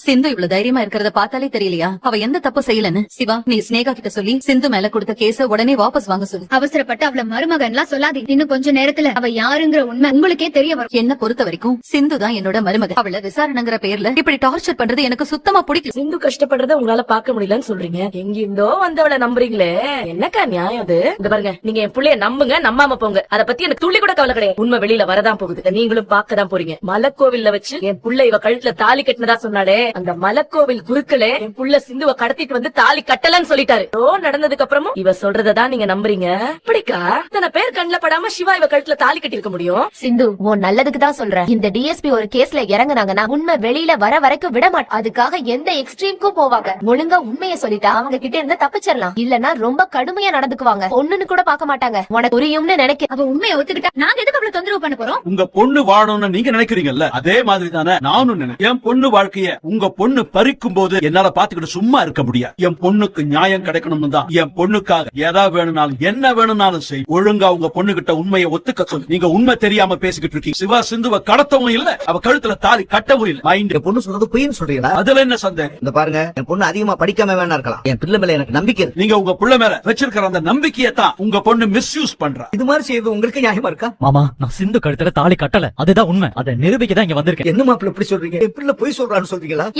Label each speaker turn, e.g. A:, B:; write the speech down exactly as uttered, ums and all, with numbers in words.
A: சிந்து இவ்வளவு தைரியமா இருக்கிறத பார்த்தாலே தெரியலையா அவ எந்த தப்பு செய்யலன்னு? சிவா, நீ ஸ்னேகா கிட்ட சொல்லி சிந்து மேல கொடுத்த கேஸ உடனே வாபஸ் வாங்க சொல்லு.
B: அவசரப்பட்டு அவள மருமகன்லாம் சொல்லாதே. இன்னும் கொஞ்ச நேரத்துல அவ யாருங்கிற உண்மை உங்களுக்கே தெரிய வரும்.
A: என்ன பொறுத்த வரைக்கும் சிந்து தான் என்னோட மருமக. அவள விசாரணைங்கிற பேர்ல இப்படி டார்ச்சர் பண்றது எனக்கு சுத்தமா பிடிக்கல.
C: சிந்து கஷ்டப்படுறத உங்களால பாக்க முடியலன்னு சொல்றீங்க. எங்கிருந்தோ வந்தவளை நம்புறீங்களே, என்னக்கா நியாயம் அது? இந்த பாருங்க, நீங்க என் புள்ளைய நம்புங்க, நம்பாம போங்க. அத பத்தி எனக்கு துள்ளி கூட கவலை கிடையாது. உண்மை வெளியில வரதான் போகுது. இத நீங்களும் பாக்கதான் போறீங்க. மலைக்கோவில்ல வச்சு என் புள்ள இவ கழுத்துல தாலி கட்டினதா சொன்னாலே, அந்த மலைக்கோவில் குருக்களே என் புள்ள சிந்துவ கடத்திட்டு வந்து தாலி கட்டலன்னு சொல்லிட்டாரு. ஓ, நடந்ததுக்கு அப்புறமும் இவ சொல்றதான் நீங்க நம்புறீங்க. இப்படிக்கா இத்தனை பேர் கண்ணுல படாம சிவா இவ கழுத்துல தாலி கட்டி இருக்க முடியும்?
D: சிந்து, உன் நல்லதுக்கு தான் சொல்றேன். இந்த டிஎஸ்பி ஒரு கேஸ்ல இறங்குனாங்கன்னா உண்மை வெளியில வர வரைக்கும் விட மாட்டேன். அதுக்காக எந்த எக்ஸ்ட்ரீம்க்கும் போவாங்க. ஒழுங்கா உண்மையை சொல்லிட்டா அவங்க கிட்ட இருந்து தப்பிச்சிடலாம். இல்லன்னா ரொம்ப கடுமையா நடந்துக்குவாங்க. ஒண்ணுன்னு கூட பாக்க மாட்டாங்க. உனக்கு புரியும்னு நினைக்க.
B: அவ உண்மையை ஒத்துக்கிட்டா நாங்க எதுக்கு அவ்வளவு தொந்தரவு பண்ண போறோம்?
E: உங்க பொண்ணு வாழணும்னு நீங்க நினைக்கிறீங்கல்ல, அதே மாதிரி தானே நானும் நினைக்கிறேன். என் பொண்ணு வாழ்க்கைய உங்க பொண்ணு பறிக்கும் போது என்னால பாத்துக்கிட்டு சும்மா இருக்க முடியாது. என் பொண்ணுக்கு நியாயம் கிடைக்கணும்னு தான் என் பொண்ணுக்காக எதா வேணும்னாலும் என்ன வேணும்னாலும் செய். ஒழுங்கா உங்க பொண்ணு கிட்ட உண்மையை ஒத்துக்க சொல்லு. நீங்க உண்மை தெரியாம பேசிக்கிட்டு இருக்கீங்க. சிவா சிந்துவ கடத்தவும் இல்ல, அவ கழுத்துல தாலி கட்டவும் இல்ல. மைண்ட்
F: என் பொண்ணு சொல்றது பொய்ன்னு சொல்றீங்களா?
E: அதுல என்ன சந்தேகம்?
F: இந்த பாருங்க, என் பொண்ணு அதிகமா படிக்காம வேணா இருக்கலாம். என் பிள்ளை மேல எனக்கு நம்பிக்கை இருக்கு.
E: நீங்க உங்க புள்ள மேல வச்சிருக்கிற அந்த நம்பிக்கையை தான் உங்க பொண்ணு மிஸ்யூஸ் பண்றா.
F: இது மாதிரி செய்வது உங்களுக்கு நியாயமா இருக்கா?
G: மாமா, நான் சிந்து கழுத்துல தாலி கட்டல, அதுதான் உண்மை. அதை நிரூபிக்க தான் இங்க வந்திருக்கேன்.
F: என்ன மாப்பிள்ள இப்படி சொல்றீங்க? என் பிள்ளை பொய் சொல்றான்னு சொல்றீங்களா?